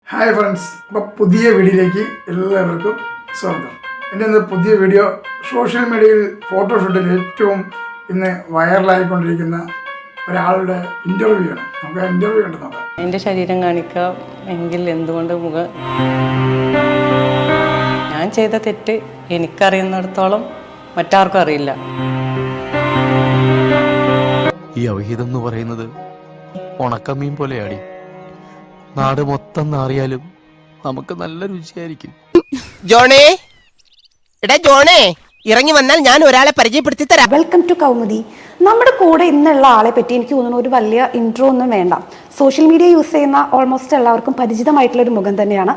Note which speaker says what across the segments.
Speaker 1: Hi friends, അപ്പോൾ പുതിയ വീഡിയോയിലേക്ക് എല്ലാവർക്കും സ്വാഗതം. എൻ്റെ ഇന്ന് പുതിയ വീഡിയോ സോഷ്യൽ മീഡിയയിൽ ഫോട്ടോഷൂട്ടിൽ ഏറ്റവും ഇന്ന് വൈറലായിക്കൊണ്ടിരിക്കുന്ന ഒരാളുടെ ഇൻ്റർവ്യൂ ആണ്. നമുക്ക് ആ ഇൻ്റർവ്യൂ കണ്ടു നോക്കാം.
Speaker 2: എൻ്റെ ശരീരം കാണിക്കാം എങ്കിൽ എന്തുകൊണ്ട് ഞാൻ ചെയ്ത തെറ്റ് എനിക്കറിയുന്നിടത്തോളം മറ്റാർക്കും അറിയില്ല.
Speaker 3: ഈ അവിഹിതം എന്ന് പറയുന്നത് ഉണക്കമീൻ പോലെയാടി. നാട് മൊത്തം നാറിയാലും നമുക്ക് നല്ല രുചിയായിരിക്കും.
Speaker 4: ജോണേ, എടാ ജോണേ, ഇറങ്ങി വന്നാൽ ഞാൻ ഒരാളെ പരിചയപ്പെടുത്തി തരാം.
Speaker 5: Welcome to Kaumudi. നമ്മുടെ കൂടെ ഇന്നുള്ള ആളെ പറ്റി എനിക്ക് തോന്നുന്നു ഒരു വലിയ ഇൻട്രോ ഒന്നും വേണ്ട. സോഷ്യൽ മീഡിയ യൂസ് ചെയ്യുന്ന ഓൾമോസ്റ്റ് എല്ലാവർക്കും പരിചിതമായിട്ടുള്ള ഒരു മുഖം തന്നെയാണ്.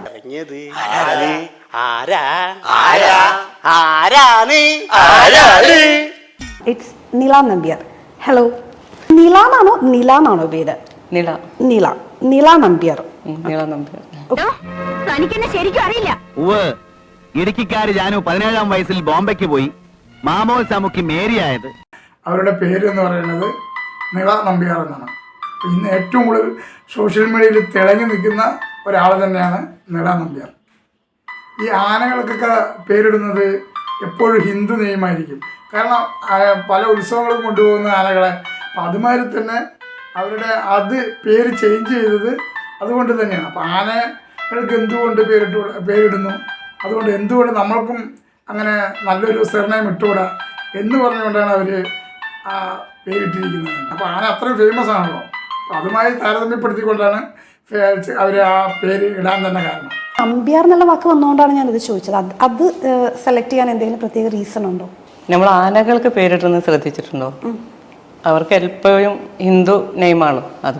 Speaker 5: ഇറ്റ്സ് നില നമ്പ്യാർ. ഹലോ, നിലാന്നാണോ നിലാന്നാണോ പേര്?
Speaker 2: നില
Speaker 5: നില നില നമ്പ്യാർ.
Speaker 2: നില നമ്പ്യാർ.
Speaker 6: ശരിക്കും അറിയില്ല. ഇടുക്കിക്കാര് ജാനു 17-ാം വയസ്സിൽ ബോംബെക്ക് പോയി മാമോസാമുക്കി മേരിയായത്.
Speaker 1: അവരുടെ പേര് എന്ന് പറയുന്നത് നിള നമ്പ്യാർ എന്നാണ്. ഇന്ന് ഏറ്റവും കൂടുതൽ സോഷ്യൽ മീഡിയയിൽ തിളങ്ങി നിൽക്കുന്ന ഒരാൾ തന്നെയാണ് നിള നമ്പ്യാർ. ഈ ആനകൾക്കൊക്കെ പേരിടുന്നത് എപ്പോഴും ഹിന്ദു നെയ്മായിരിക്കും. കാരണം പല ഉത്സവങ്ങളും കൊണ്ടുപോകുന്ന ആനകളെ, അപ്പം അതുമാതിരി തന്നെ അവരുടെ അത് പേര് ചേഞ്ച് ചെയ്തത് അതുകൊണ്ട് തന്നെയാണ്. അപ്പോൾ ആനകൾക്ക് എന്തുകൊണ്ട് പേരിടുന്നു, അതുകൊണ്ട് എന്തുകൊണ്ട് നമ്മൾക്കും അങ്ങനെ നല്ലൊരു സർനെയിം ഇട്ടുകൂടാ എന്ന് പറഞ്ഞുകൊണ്ടാണ് അവർ ആ പേരിട്ടിരിക്കുന്നത്. അപ്പോൾ ആന അത്രയും ഫേമസ് ആണല്ലോ. അപ്പോൾ അതുമായി താരതമ്യപ്പെടുത്തിക്കൊണ്ടാണ് അവർ ആ പേര് ഇടാൻ തന്നെ കാരണം.
Speaker 5: നമ്പ്യാർ എന്നുള്ള വാക്ക് വന്നുകൊണ്ടാണ് ഞാനിത് ചോദിച്ചത്. അത് സെലക്ട് ചെയ്യാൻ എന്തെങ്കിലും പ്രത്യേക റീസൺ ഉണ്ടോ?
Speaker 2: നമ്മൾ ആനകൾക്ക് പേരിടുന്നത് ശ്രദ്ധിച്ചിട്ടുണ്ടോ? അവർക്ക് എപ്പോഴും ഹിന്ദു നെയ്മാണ് അത്.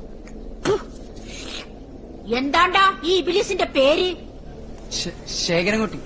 Speaker 6: എന്താണ്ടാ ഈ ഇബിലിസിന്റെ പേര്?
Speaker 4: ശേഖരൻകുട്ടി.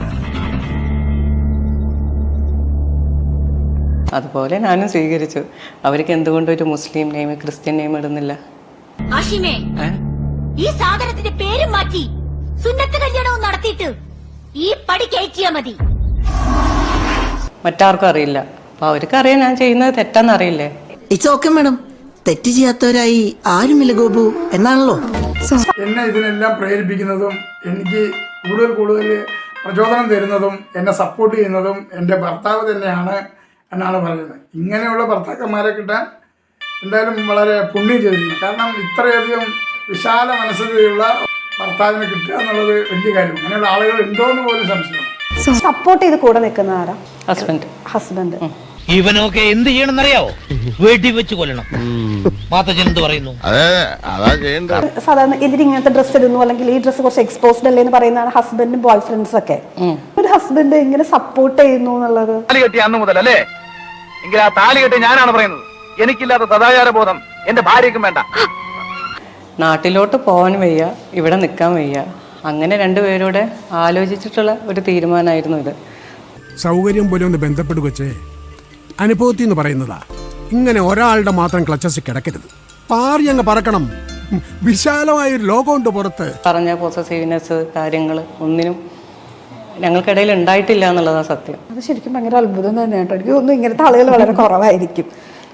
Speaker 2: അതുപോലെ ഞാനും സ്വീകരിച്ചു. അവർക്ക് എന്തുകൊണ്ട് ഒരു മുസ്ലിം നെയ്മ് ക്രിസ്ത്യൻ നെയ്മ് ഇടുന്നില്ല?
Speaker 6: ആഷിമേ, ഈ സാധനത്തിന്റെ പേരും മാറ്റി സുന്നത്ത് കല്യാണവും നടത്തിയിട്ട് ഈ പടി കയറ്റിയാ മതി.
Speaker 2: മറ്റാർക്കും അറിയില്ല. അപ്പൊ അവർക്ക് അറിയാം ഞാൻ ചെയ്യുന്നത് തെറ്റാന്നറിയില്ലേ.
Speaker 7: ഇറ്റ്സ് ഓക്കെ മാഡം, തെറ്റ് ചെയ്യാത്തവരായി ആരുമില്ല ഗോപു എന്നാണല്ലോ.
Speaker 1: എന്നെ ഇതിനെല്ലാം പ്രേരിപ്പിക്കുന്നതും എനിക്ക് കൂടുതൽ പ്രചോദനം തരുന്നതും എന്നെ സപ്പോർട്ട് ചെയ്യുന്നതും എൻ്റെ ഭർത്താവ് തന്നെയാണ് എന്നാണ് പറയുന്നത്. ഇങ്ങനെയുള്ള ഭർത്താക്കന്മാരെ കിട്ടാൻ എന്തായാലും വളരെ പുണ്യം ചെയ്തിരിക്കുന്നു. കാരണം ഇത്രയധികം വിശാല മനസ്സതയുള്ള ഭർത്താവിനെ കിട്ടുക എന്നുള്ളത് വലിയ കാര്യം. അങ്ങനെയുള്ള ആളുകൾ ഉണ്ടോ എന്ന് പോലും സംശയമാണ്.
Speaker 5: സപ്പോർട്ട് ചെയ്ത് കൂടെ നിൽക്കുന്ന ആരാ? ഹസ്ബൻഡ്.
Speaker 8: ഇവനൊക്കെ എന്ത് ചെയ്യണമെന്നറിയാവോ? വെടി വെച്ച് കൊല്ലണം. മാത്തച്ഛൻ എന്ത് പറയുന്നു?
Speaker 5: സാധാരണ എന്തിന് ഇങ്ങനത്തെ ഡ്രസ്സ് ഇടുന്നു, അല്ലെങ്കിൽ ഈ ഡ്രസ്സ് കുറച്ച് എക്സ്പോസ്ഡ് അല്ലേ എന്ന് പറയുന്നതാണ് ഹസ്ബൻഡും ബോയ് ഫ്രണ്ട്സ് ഒക്കെ. ഒരു ഹസ്ബൻഡ് എങ്ങനെ സപ്പോർട്ട് ചെയ്യുന്നു എന്നുള്ളത്.
Speaker 8: താലി കെട്ടി അന്ന് മുതൽ അല്ലേ? എങ്കിൽ ആ താലി കെട്ടി ഞാനാണ് പറയുന്നത്. എനിക്കില്ലാത്ത സദാചാര ബോധം എന്റെ ഭാര്യയ്ക്കും വേണ്ട.
Speaker 2: നാട്ടിലോട്ട് പോകാൻ വയ്യ, ഇവിടെ നിൽക്കാൻ വയ്യ. അങ്ങനെ രണ്ടുപേരോടെ ആലോചിച്ചിട്ടുള്ള ഒരു തീരുമാനമായിരുന്നു ഇത്.
Speaker 9: സൗകര്യം പോലെ ഒന്ന് ബന്ധപ്പെടുവച്ചേ. അനുഭവത്തിൽ എന്ന് പറയുന്നതാ. ഇങ്ങനെ ഒരാളുടെ മാത്രം ക്ലച്ചസ് കിടക്കരുത്. പാറി അങ്ങ് പറക്കണം. വിശാലമായൊരു ലോകമുണ്ട് പുറത്ത്.
Speaker 2: പറഞ്ഞ പോസസീവ്നെസ് കാര്യങ്ങൾ ഒന്നിനും ഞങ്ങൾക്കിടയിൽ ഉണ്ടായിട്ടില്ല എന്നുള്ളതാണ് സത്യം.
Speaker 5: അത് ശരിക്കും ഭയങ്കര അത്ഭുതം തന്നെ കേട്ടോ. എനിക്ക് തോന്നുന്നു ഇങ്ങനത്തെ ആളുകൾ വളരെ കുറവായിരിക്കും.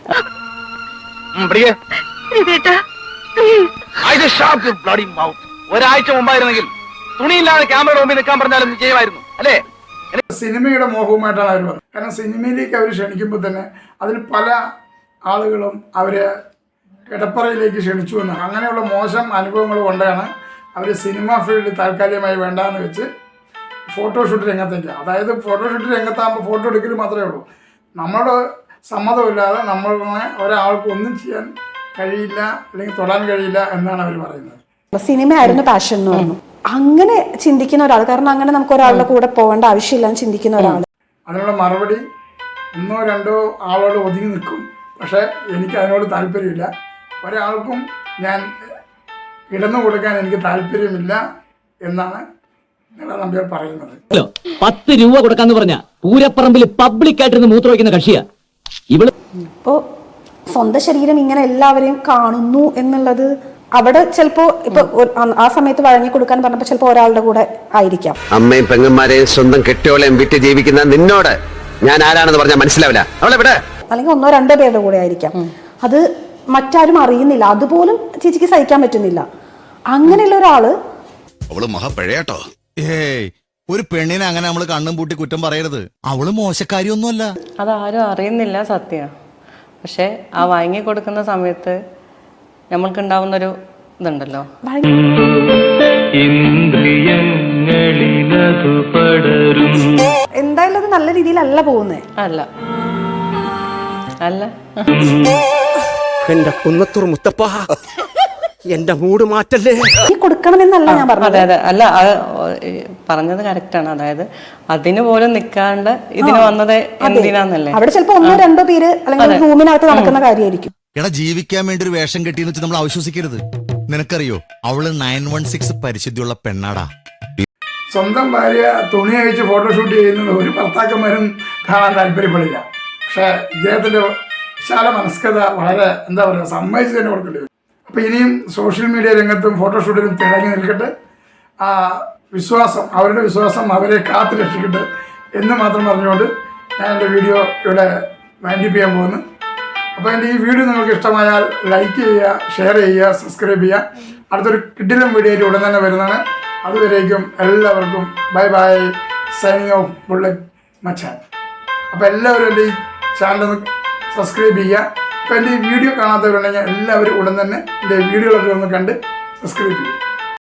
Speaker 8: ഒരാഴ്ച മുമ്പായിരുന്നെങ്കിൽ തുണിയില്ലാതെ ക്യാമറ മുമ്പിൽ നിൽക്കാൻ പറഞ്ഞാലും ചെയ്യുമായിരുന്നു അല്ലേ?
Speaker 1: സിനിമയുടെ മോഹവുമായിട്ടാണ് അവർ വന്നത്. കാരണം സിനിമയിലേക്ക് അവർ ക്ഷണിക്കുമ്പോൾ തന്നെ അതിൽ പല ആളുകളും അവരെ കിടപ്പറയിലേക്ക് ക്ഷണിച്ചു എന്നാണ്. അങ്ങനെയുള്ള മോശം അനുഭവങ്ങൾ കൊണ്ടാണ് അവർ സിനിമ ഫീൽഡ് താൽക്കാലികമായി വേണ്ടാന്ന് വെച്ച് ഫോട്ടോഷൂട്ട് രംഗത്തേക്ക്. അതായത് ഫോട്ടോഷൂട്ട് രംഗത്താകുമ്പോൾ ഫോട്ടോ എടുക്കൽ മാത്രമേ ഉള്ളൂ. നമ്മുടെ സമ്മതമില്ലാതെ നമ്മളെ ഒരാൾക്ക് ഒന്നും ചെയ്യാൻ കഴിയില്ല, അല്ലെങ്കിൽ തൊടാൻ കഴിയില്ല എന്നാണ് അവർ പറയുന്നത്.
Speaker 5: സിനിമയായിരുന്നു പാഷൻ എന്ന് പറഞ്ഞു. അങ്ങനെ ചിന്തിക്കുന്ന ഒരാൾ, കാരണം അങ്ങനെ നമുക്ക് ഒരാളുടെ കൂടെ പോകേണ്ട ആവശ്യമില്ല എന്ന് ചിന്തിക്കുന്ന ഒരാൾ,
Speaker 1: അതിനുള്ള മറുപടി 1-2 ആളോട് ഒതുങ്ങി നിൽക്കും. പക്ഷേ എനിക്ക് അതിനോട് താല്പര്യമില്ല. ഒരാൾക്കും ഞാൻ കിടന്നു കൊടുക്കാൻ എനിക്ക് താല്പര്യമില്ല എന്നാണ് നിള നമ്പ്യാർ പറയുന്നത്.
Speaker 10: 10 രൂപ കൊടുക്കാന്ന് പറഞ്ഞ പൂരപ്പറമ്പിൽ പബ്ലിക്കായിട്ടിരുന്ന് മൂത്ര വയ്ക്കുന്ന കക്ഷിയാ ഇവള്.
Speaker 5: ഇപ്പോ സ്വന്തം ശരീരം ഇങ്ങനെ എല്ലാവരെയും കാണുന്നു എന്നുള്ളത് അവിടെ ചിലപ്പോ ഇപ്പൊ ആ സമയത്ത് വഴങ്ങി കൊടുക്കാൻ പറഞ്ഞപ്പോ ചിലപ്പോ ഒരാളുടെ കൂടെ ആയിരിക്കാം.
Speaker 4: അമ്മയും പെങ്ങന്മാരെയും സ്വന്തം കെട്ടിയോളെയും വിറ്റ് ജീവിക്കുന്ന നിന്നോട് ഞാൻ ആരാണെന്ന് പറഞ്ഞാൽ മനസ്സിലാവില്ല. അവളെവിടെ?
Speaker 5: അല്ലെങ്കിൽ 1-2 പേരുടെ കൂടെ ആയിരിക്കാം. അത് മറ്റാരും അറിയുന്നില്ല. അതുപോലും ചേച്ചിക്ക് സഹിക്കാൻ പറ്റുന്നില്ല. അങ്ങനെയുള്ള ഒരാള്
Speaker 11: അവള് മഹാപ്പഴയാട്ടോ. ഏയ്, ഒരു പെണ്ണിനെ അങ്ങനെ നമ്മൾ കണ്ണും പൂട്ടി കുറ്റം പറയരുത്. അവള് മോശക്കാരിയൊന്നുമല്ല.
Speaker 2: അതാരും അറിയുന്നില്ല സത്യം. പക്ഷെ ആ വാങ്ങി കൊടുക്കുന്ന സമയത്ത് നമ്മൾക്കുണ്ടാവുന്നൊരു ഇതുണ്ടല്ലോ,
Speaker 5: എന്തായാലും അത് നല്ല രീതിയിലല്ല പോകുന്നത്.
Speaker 2: അല്ല അല്ല
Speaker 3: എന്റെ കുന്നത്തൂർ മുത്തപ്പ, എന്റെ മൂട് മാറ്റല്ലേ.
Speaker 5: ഈ കൊടുക്കണമെന്നല്ല ഞാൻ പറഞ്ഞത്.
Speaker 2: അതെ അതെ, അല്ല അത് പറഞ്ഞത് കറക്റ്റാണ്. അതായത് അതിന് പോലും നിൽക്കാണ്ട് ഇതിന് വന്നത് എന്തിനാന്നല്ലേ.
Speaker 5: അവിടെ ചിലപ്പോ 1-2 പേര് അല്ലെങ്കിൽ റൂമിനകത്ത് നടക്കുന്ന കാര്യമായിരിക്കും.
Speaker 11: എടാ, ജീവിക്കാൻ വേണ്ടി ഒരു വേഷം കെട്ടിയെന്ന് വെച്ച് നമ്മൾ അവിശ്വസിക്കരുത്. നിനക്കറിയോ, അവള് 916 പരിശുദ്ധിയുള്ള പെണ്ണാടാ.
Speaker 1: സ്വന്തം ഭാര്യ തുണി അഴിച്ച് ഫോട്ടോഷൂട്ട് ചെയ്യുന്നത് ഒരു ഭർത്താക്കന്മാരും കാണാൻ താല്പര്യപ്പെടില്ല. പക്ഷേ ഇദ്ദേഹത്തിൻ്റെ വിശാല മനസ്കത വളരെ എന്താ പറയുക, സമ്മതിച്ച് തന്നെ കൊടുക്കേണ്ടി വരും. അപ്പോൾ ഇനിയും സോഷ്യൽ മീഡിയ രംഗത്തും ഫോട്ടോഷൂട്ടിലും തിളങ്ങി നിൽക്കട്ടെ. ആ വിശ്വാസം, അവരുടെ വിശ്വാസം അവരെ കാത്തു രക്ഷിക്കട്ടെ എന്ന് മാത്രം പറഞ്ഞുകൊണ്ട് ഞാൻ എൻ്റെ വീഡിയോ ഇവിടെ വൈൻഡപ്പ് ചെയ്യാൻ പോകുന്നു. അപ്പോൾ എൻ്റെ ഈ വീഡിയോ നിങ്ങൾക്ക് ഇഷ്ടമായാൽ ലൈക്ക് ചെയ്യുക, ഷെയർ ചെയ്യുക, സബ്സ്ക്രൈബ് ചെയ്യുക. അടുത്തൊരു കിടിലൻ വീഡിയോ ആയിട്ട് ഉടൻ തന്നെ വരുന്നതാണ്. അതുവരേക്കും എല്ലാവർക്കും bye bye, signing off Bullet Machan. അപ്പോൾ എല്ലാവരും എൻ്റെ ഈ ചാനൽ സബ്സ്ക്രൈബ് ചെയ്യുക. അപ്പോൾ എൻ്റെ ഈ വീഡിയോ കാണാത്തവരുണ്ടെങ്കിൽ എല്ലാവരും ഉടൻ തന്നെ എൻ്റെ വീഡിയോകളൊക്കെ ഒന്ന് കണ്ട് സബ്സ്ക്രൈബ് ചെയ്യുക.